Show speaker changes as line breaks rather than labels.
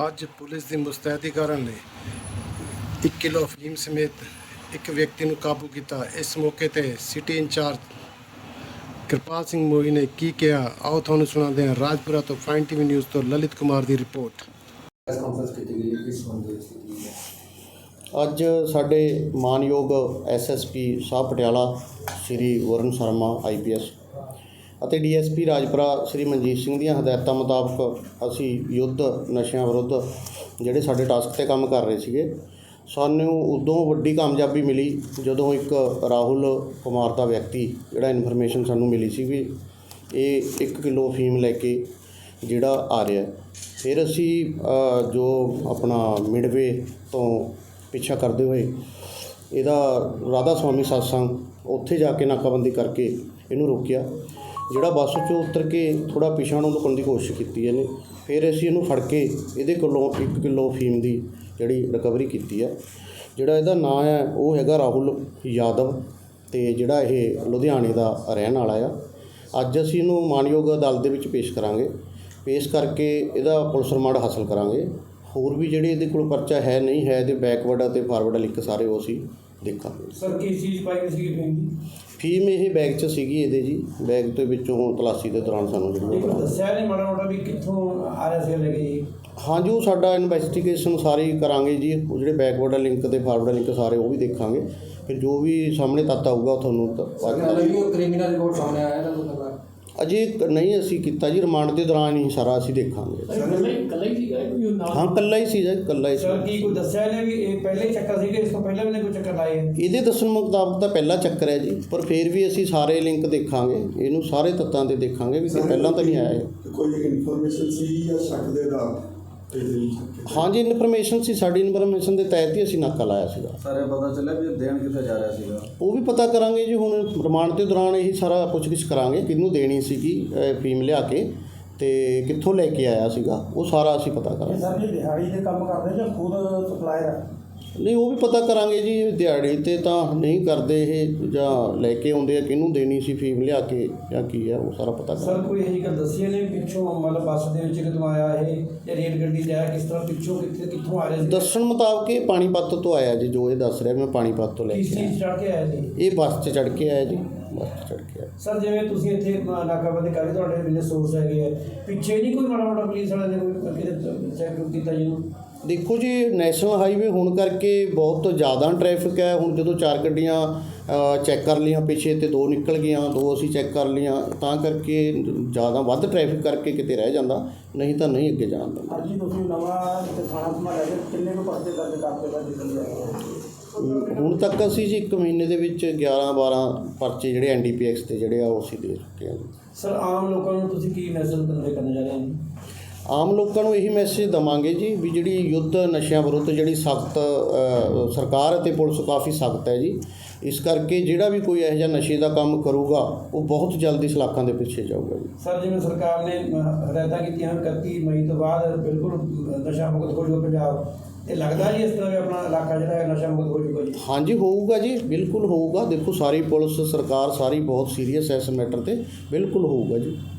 ਅੱਜ ਪੁਲਿਸ ਦੀ ਮੁਸਤੈਦੀ ਨੇ 1 ਕਿਲੋ ਅਫੀਮ ਸਮੇਤ ਇੱਕ ਵਿਅਕਤੀ ਨੂੰ ਕਾਬੂ ਕੀਤਾ। ਇਸ ਮੌਕੇ ਤੇ ਸਿਟੀ ਇੰਚਾਰਜ ਕਿਰਪਾਲ ਸਿੰਘ ਮੋਈ ਨੇ ਕੀ ਕਿਹਾ, ਆਓ ਤੁਹਾਨੂੰ ਸੁਣਾਉਂਦੇ ਹਾਂ। ਰਾਜਪੁਰਾ ਤੋਂ ਫਾਈਨ ਟੀਵੀ ਨਿਊਜ਼ ਤੋਂ ਲਲਿਤ ਕੁਮਾਰ ਦੀ ਰਿਪੋਰਟ।
ਅੱਜ ਸਾਡੇ ਮਾਨਯੋਗ ਐਸਐਸਪੀ ਸਾਹਿਬ ਪਟਿਆਲਾ ਸ਼੍ਰੀ ਵਰਨ ਸ਼ਰਮਾ IPS ਅਤੇ DSP ਰਾਜਪੁਰਾ ਸ਼੍ਰੀ ਮਨਜੀਤ ਸਿੰਘ ਦੀਆਂ ਹਦਾਇਤਾਂ ਮੁਤਾਬਕ ਅਸੀਂ ਯੁੱਧ ਨਸ਼ਿਆਂ ਵਿਰੁੱਧ ਜਿਹੜੇ ਸਾਡੇ ਟਾਸਕ 'ਤੇ ਕੰਮ ਕਰ ਰਹੇ ਸੀਗੇ। ਸਾਨੂੰ ਉਦੋਂ ਵੱਡੀ ਕਾਮਯਾਬੀ ਮਿਲੀ ਜਦੋਂ ਇੱਕ ਰਾਹੁਲ ਕੁਮਾਰ ਦਾ ਵਿਅਕਤੀ ਜਿਹੜਾ ਇਨਫੋਰਮੇਸ਼ਨ ਸਾਨੂੰ ਮਿਲੀ ਸੀ ਵੀ ਇਹ 1 ਕਿਲੋ ਅਫੀਮ ਲੈ ਕੇ ਜਿਹੜਾ ਆ ਰਿਹਾ। ਫਿਰ ਅਸੀਂ ਜੋ ਆਪਣਾ ਮਿਡਵੇ ਤੋਂ ਪਿੱਛਾ ਕਰਦੇ ਹੋਏ ਇਹਦਾ ਰਾਧਾ ਸਵਾਮੀ ਸਤਸੰਗ ਉੱਥੇ ਜਾ ਕੇ ਨਾਕਾਬੰਦੀ ਕਰਕੇ ਇਹਨੂੰ ਰੋਕਿਆ। ਜਿਹੜਾ ਬੱਸ 'ਚੋਂ ਉਤਰ ਕੇ ਥੋੜ੍ਹਾ ਪਿਛਾਂਹ ਨੂੰ ਲੁਕਣ ਦੀ ਕੋਸ਼ਿਸ਼ ਕੀਤੀ ਇਹਨੇ। ਫਿਰ ਅਸੀਂ ਇਹਨੂੰ ਫੜ ਕੇ ਇਹਦੇ ਕੋਲੋਂ 1 ਕਿਲੋ ਅਫੀਮ ਦੀ ਜਿਹੜੀ ਰਿਕਵਰੀ ਕੀਤੀ ਹੈ। ਜਿਹੜਾ ਇਹਦਾ ਨਾਂ ਹੈ ਉਹ ਹੈਗਾ ਰਾਹੁਲ ਯਾਦਵ ਅਤੇ ਜਿਹੜਾ ਇਹ ਲੁਧਿਆਣੇ ਦਾ ਰਹਿਣ ਵਾਲਾ ਆ। ਅੱਜ ਅਸੀਂ ਇਹਨੂੰ ਮਾਨਯੋਗ ਅਦਾਲਤ ਦੇ ਵਿੱਚ ਪੇਸ਼ ਕਰਾਂਗੇ। ਪੇਸ਼ ਕਰਕੇ ਇਹਦਾ ਪੁਲਿਸ ਰਿਮਾਂਡ ਹਾਸਲ ਕਰਾਂਗੇ। ਹੋਰ ਵੀ ਜਿਹੜੇ ਇਹਦੇ ਕੋਲ ਪਰਚਾ ਹੈ ਨਹੀਂ ਹੈ, ਇਹਦੇ ਬੈਕਵਰਡ ਅਤੇ ਫਾਰਵਰਡ ਲਿੰਕ ਸਾਰੇ ਉਹ ਅਸੀਂ ਦੇਖਾਂਗੇ।
ਸਰ ਕੀ ਚੀਜ਼ ਪਾਈ ਹੋਈ ਸੀ
ਫੀਮ ਇਹ ਬੈਗ 'ਚ ਸੀਗੀ ਇਹਦੇ ਜੀ। ਬੈਗ ਦੇ ਵਿੱਚੋਂ ਤਲਾਸ਼ੀ ਦੇ ਦੌਰਾਨ ਸਾਨੂੰ ਜਿਹੜੀ
ਦੱਸਿਆ ਨਹੀਂ ਮਾੜਾ ਮੋਟਾ ਵੀ ਕਿੱਥੋਂ ਆ ਰਿਹਾ ਸੀ ਲੈ ਕੇ ਜੀ?
ਹਾਂਜੀ, ਉਹ ਸਾਡਾ ਇਨਵੈਸਟੀਗੇਸ਼ਨ ਸਾਰੀ ਕਰਾਂਗੇ ਜੀ। ਉਹ ਜਿਹੜੇ ਬੈਕਵਰਡ ਲਿੰਕ ਅਤੇ ਫਾਰਵਰਡ ਲਿੰਕ ਸਾਰੇ ਉਹ ਵੀ ਦੇਖਾਂਗੇ। ਫਿਰ ਜੋ ਵੀ ਸਾਹਮਣੇ ਤੱਥ ਆਊਗਾ ਉਹ ਤੁਹਾਨੂੰ
ਕ੍ਰਿਮੀਨਲ ਰਿਪੋਰਟ ਸਾਹਮਣੇ ਆਇਆ ਤਾਂ
ਅਜੇ ਨਹੀਂ ਅਸੀਂ ਕੀਤਾ ਜੀ। ਰਿਮਾਂਡ ਦੇ ਦੌਰਾਨ ਹੀ ਸਾਰਾ ਅਸੀਂ ਦੇਖਾਂਗੇ।
ਇਕੱਲਾ ਹੀ ਸੀਗਾ
ਹਾਂ, ਇਕੱਲਾ ਹੀ ਸੀ ਜੀ, ਇਕੱਲਾ ਹੀ ਸੀ।
ਸਰ ਕੀ ਕੋਈ ਦੱਸਿਆ ਇਹਨੇ ਵੀ ਇਹ ਪਹਿਲੇ ਹੀ ਚੱਕਰ ਸੀਗੇ, ਇਸ ਤੋਂ ਪਹਿਲਾਂ ਵੀ ਨੇ ਕੋਈ ਚੱਕਰ ਲਾਏ?
ਇਹਦੇ ਦੱਸਣ ਮੁਤਾਬਕ ਤਾਂ ਪਹਿਲਾ ਚੱਕਰ ਹੈ ਜੀ, ਪਰ ਫਿਰ ਵੀ ਅਸੀਂ ਸਾਰੇ ਲਿੰਕ ਦੇਖਾਂਗੇ, ਇਹਨੂੰ ਸਾਰੇ ਤੱਤਾਂ 'ਤੇ ਦੇਖਾਂਗੇ ਵੀ ਪਹਿਲਾਂ ਤਾਂ ਨਹੀਂ ਆਇਆ ਇਹ।
ਕੋਈ ਇਨਫੋਰਮੇਸ਼ਨ ਸੀ ਜਾਂ ਸ਼ੱਕ ਦੇ ਆਧਾਰ?
ਹਾਂਜੀ, ਇਨਫੋਰਮੇਸ਼ਨ ਸੀ। ਸਾਡੀ ਇਨਫੋਰਮੇਸ਼ਨ ਦੇ ਤਹਿਤ ਹੀ ਅਸੀਂ ਨਾਕਾ ਲਾਇਆ ਸੀਗਾ।
ਸਾਰੇ ਪਤਾ ਚੱਲਿਆ ਵੀ ਦੇਣ ਕਿੱਥੇ ਜਾ ਰਿਹਾ ਸੀਗਾ?
ਉਹ ਵੀ ਪਤਾ ਕਰਾਂਗੇ ਜੀ। ਹੁਣ ਰਿਮਾਂਡ ਦੇ ਦੌਰਾਨ ਇਹੀ ਸਾਰਾ ਪੁੱਛਗਿੱਛ ਕਰਾਂਗੇ ਕਿਹਨੂੰ ਦੇਣੀ ਸੀਗੀ ਫੀਮ ਲਿਆ ਕੇ ਅਤੇ ਕਿੱਥੋਂ ਲੈ ਕੇ ਆਇਆ ਸੀਗਾ, ਉਹ ਸਾਰਾ ਅਸੀਂ ਪਤਾ ਕਰਾਂਗੇ।
ਸਰ ਇਹ ਦਿਹਾੜੀ ਦੇ ਕੰਮ ਕਰਦੇ ਜਾਂ ਖੁਦ ਸਪਲਾਇਰ ਹੈ?
ਨਹੀਂ, ਉਹ ਵੀ ਪਤਾ ਕਰਾਂਗੇ ਜੀ। ਦਿਹਾੜੀ 'ਤੇ ਤਾਂ ਨਹੀਂ ਕਰਦੇ ਇਹ, ਜਾਂ ਲੈ ਕੇ ਆਉਂਦੇ ਆ, ਕਿਹਨੂੰ ਦੇਣੀ ਸੀ ਫੀਮ ਲਿਆ ਕੇ ਜਾਂ ਕੀ ਹੈ, ਉਹ ਸਾਰਾ ਪਤਾ ਕਰਾਂਗੇ।
ਸਰ ਕੋਈ ਇਹੀ ਗੱਲ ਦੱਸੀ ਨੇ ਪਿੱਛੋਂ ਮਤਲਬ ਬੱਸ ਦੇ ਵਿੱਚ ਕਿਦੋਂ ਆਇਆ ਇਹ ਜਾਂ ਰੇਲ ਗੱਡੀ 'ਚ ਆਇਆ, ਕਿਸ ਤਰ੍ਹਾਂ ਪਿੱਛੋਂ ਕਿੱਥੋਂ ਆ ਰਿਹਾ ਸੀ?
ਦੱਸਣ ਮੁਤਾਬਕ ਇਹ ਪਾਣੀਪਤ ਤੋਂ ਆਇਆ ਜੀ। ਜੋ ਇਹ ਦੱਸ ਰਿਹਾ ਮੈਂ ਪਾਣੀਪਤ ਤੋਂ ਲੈ
ਕਿਸ
ਕੇ
ਚੀਜ਼ ਚੜ੍ਹ ਕੇ ਆਇਆ ਜੀ?
ਇਹ ਬੱਸ 'ਚ ਚੜ੍ਹ ਕੇ ਆਇਆ ਜੀ, ਬੱਸ 'ਚ ਚੜ੍ਹ ਕੇ ਆਇਆ।
ਸਰ ਜਿਵੇਂ ਤੁਸੀਂ ਇੱਥੇ ਨਾਕਾਬੰਦੀ ਕਰ ਰਹੇ, ਤੁਹਾਡੇ ਬਿਜਨਸ ਸੋਰਸ ਹੈਗੇ ਆ, ਪਿੱਛੇ ਨਹੀਂ ਕੋਈ ਮਾੜਾ ਮੋਟਾ ਪੁਲਿਸ ਵਾਲਿਆਂ ਨੇ ਕੋਈ ਚੈੱਕ ਕੀਤਾ ਜੀ?
ਦੇਖੋ ਜੀ, ਨੈਸ਼ਨਲ ਹਾਈਵੇ ਹੋਣ ਕਰਕੇ ਬਹੁਤ ਜ਼ਿਆਦਾ ਟ੍ਰੈਫਿਕ ਹੈ। ਹੁਣ ਜਦੋਂ 4 ਗੱਡੀਆਂ ਚੈੱਕ ਕਰ ਲਈਆਂ ਪਿੱਛੇ ਅਤੇ 2 ਨਿਕਲ ਗਈਆਂ, 2 ਅਸੀਂ ਚੈੱਕ ਕਰ ਲਈਆਂ, ਤਾਂ ਕਰਕੇ ਜ਼ਿਆਦਾ ਵੱਧ ਟ੍ਰੈਫਿਕ ਕਰਕੇ ਕਿਤੇ ਰਹਿ ਜਾਂਦਾ, ਨਹੀਂ ਤਾਂ ਨਹੀਂ ਅੱਗੇ ਜਾਣ ਦਿੰਦਾ।
ਹਾਂਜੀ, ਤੁਸੀਂ ਨਵਾਂ ਥਾਣਾ ਘੁਮਾ ਰਹੇ, ਕਿੰਨੇ ਕੁ ਪਰਚੇ ਦਰਜ ਕਰਦੇ?
ਹੁਣ ਤੱਕ ਅਸੀਂ ਜੀ 1 ਮਹੀਨੇ ਦੇ ਵਿੱਚ 11-12 ਪਰਚੇ ਜਿਹੜੇ NDPX ਤੇ ਜਿਹੜੇ ਆ ਉਹ ਅਸੀਂ ਦੇ ਚੁੱਕੇ ਹਾਂ।
ਸਰ ਆਮ ਲੋਕਾਂ ਨੂੰ ਤੁਸੀਂ ਕੀ ਮੈਸੇਜ ਕਨਵੇ ਕਰਨਾ ਚਾਹ ਰਹੇ ਹੋ?
ਆਮ ਲੋਕਾਂ ਨੂੰ ਇਹੀ ਮੈਸੇਜ ਦੇਵਾਂਗੇ ਜੀ ਵੀ ਜਿਹੜੀ ਯੁੱਧ ਨਸ਼ਿਆਂ ਵਿਰੁੱਧ ਜਿਹੜੀ ਸਖਤ ਸਰਕਾਰ ਅਤੇ ਪੁਲਿਸ ਕਾਫੀ ਸਖਤ ਹੈ ਜੀ। ਇਸ ਕਰਕੇ ਜਿਹੜਾ ਵੀ ਕੋਈ ਇਹੋ ਜਿਹਾ ਨਸ਼ੇ ਦਾ ਕੰਮ ਕਰੂਗਾ ਉਹ ਬਹੁਤ ਜਲਦੀ ਸਲਾਖਾਂ ਦੇ ਪਿੱਛੇ ਜਾਊਗਾ ਜੀ।
ਸਰ ਜਿਵੇਂ ਸਰਕਾਰ ਨੇ ਹਦਾਇਤਾਂ ਕੀਤੀਆਂ 31 ਮਈ ਤੋਂ ਬਾਅਦ ਬਿਲਕੁਲ ਨਸ਼ਾ ਮੁਕਤ ਹੋ ਜਾਊਗਾ ਪੰਜਾਬ, ਇਹ ਲੱਗਦਾ ਜੀ ਇਸ ਤਰ੍ਹਾਂ ਵੀ ਆਪਣਾ ਇਲਾਕਾ ਜਿਹੜਾ ਹੈ ਨਸ਼ਾ ਮੁਕਤ ਹੋ ਜਾਊਗਾ ਜੀ?
ਹਾਂਜੀ, ਹੋਊਗਾ ਜੀ, ਬਿਲਕੁਲ ਹੋਊਗਾ। ਦੇਖੋ, ਸਾਰੀ ਪੁਲਿਸ ਸਰਕਾਰ ਸਾਰੀ ਬਹੁਤ ਸੀਰੀਅਸ ਹੈ ਇਸ ਮੈਟਰ 'ਤੇ, ਬਿਲਕੁਲ ਹੋਊਗਾ ਜੀ।